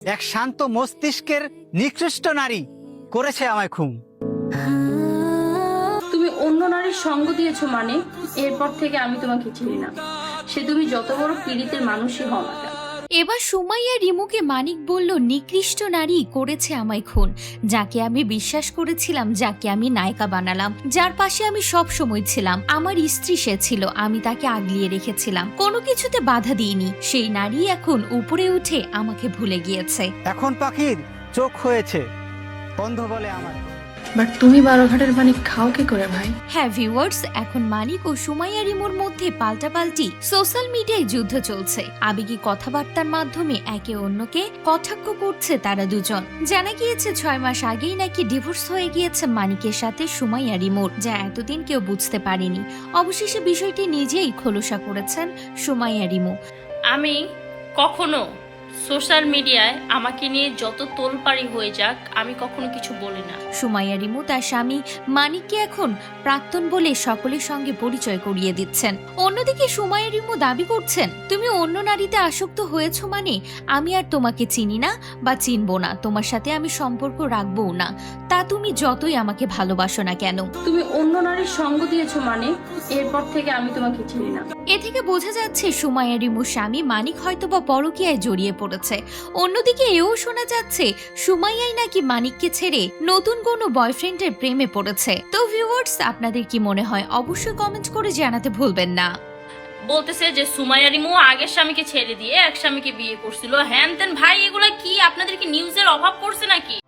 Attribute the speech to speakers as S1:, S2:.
S1: এক শান্ত মস্তিষ্কের নিকৃষ্ট নারী করেছে আমায় খুন।
S2: তুমি অন্য নারীর সঙ্গ দিয়েছো মানে এরপর থেকে আমি তোমাকে চিনি না, সে তুমি যত বড় পীড়িতের মানুষই হও না কেন।
S3: এবার সুমাইয়া রিমুকে মানিক বলল, নিকৃষ্ট নারী করেছে আমায় খুন, যাকে আমি বিশ্বাস করেছিলাম, যাকে আমি নায়িকা বানালাম, যার পাশে আমি সব সময় ছিলাম, আমার স্ত্রী সে ছিল, আমি তাকে আগলিয়ে রেখেছিলাম, কোনো কিছুতে বাধা দিইনি, সেই নারী এখন উপরে উঠে আমাকে ভুলে গিয়েছে।
S1: এখন পাখির চোখ হয়েছে অন্ধ বলে আমার।
S4: বাট তুমি বারোঘাটের পানি খাও কি করে ভাই?
S3: হ্যাঁ ভিউয়ার্স, এখন মানিক ও সুমাইয়া রিমুর মধ্যে পাল্টাপাল্টি সোশ্যাল মিডিয়ায় যুদ্ধ চলছে। আবেগী কথাবার্তার মাধ্যমে একে অন্যকে কটাক্ষ করছে তারা দুজন। জানা গিয়েছে 6 মাস আগেই নাকি ডিভোর্স হয়ে গিয়েছে মানিকের সাথে সুমাইয়া রিমুর, যা এতদিন কেউ বুঝতে পারেনি। অবশেষে বিষয়টি নিজেই খোলসা করেছেন সুমাইয়া রিমু।
S2: আমি কখনো সোশ্যাল মিডিয়ায় আমাকে নিয়ে যত তোলপাড়ি হয়ে যাক আমি কখনো কিছু বলি না।
S3: সুমাইয়া রিমু তার স্বামী মানিককে এখন প্রাক্তন বলে সকলের সঙ্গে পরিচয় করিয়ে দিচ্ছেন। অন্যদিকে সুমাইয়া রিমু দাবি করছেন, তুমি অন্য নারীতে আসক্ত হয়েছো মানে আমি আর তোমাকে চিনি না বা চিনবো না, তোমার সাথে আমি সম্পর্ক রাখবও না, তা তুমি যতই আমাকে ভালোবাসো না কেন।
S2: তুমি অন্য নারীর সঙ্গ দিয়েছো মানে এরপর থেকে আমি তোমাকে চিনি না।
S3: এ থেকে বোঝা যাচ্ছে সুমাইয়া রিমুর স্বামী মানিক হয়তোবা পরকীয়ায় জড়িয়ে পড়েছে। অন্যদিকে এও শোনা যাচ্ছে সুমাইয়াই নাকি মানিককে ছেড়ে নতুন কোনো বয়ফ্রেন্ডের প্রেমে পড়েছে। তো ভিউয়ার্স, আপনাদের কি মনে হয় অবশ্যই কমেন্ট করে জানাতে ভুলবেন না।
S2: বলতেছে যে সুমাইয়া রিমু আগের স্বামীকে ছেড়ে দিয়ে এক স্বামীকে বিয়ে করছিল, হ্যান তেন। ভাই এগুলা কি, আপনাদের কি নিউজের অভাব পড়ছে নাকি?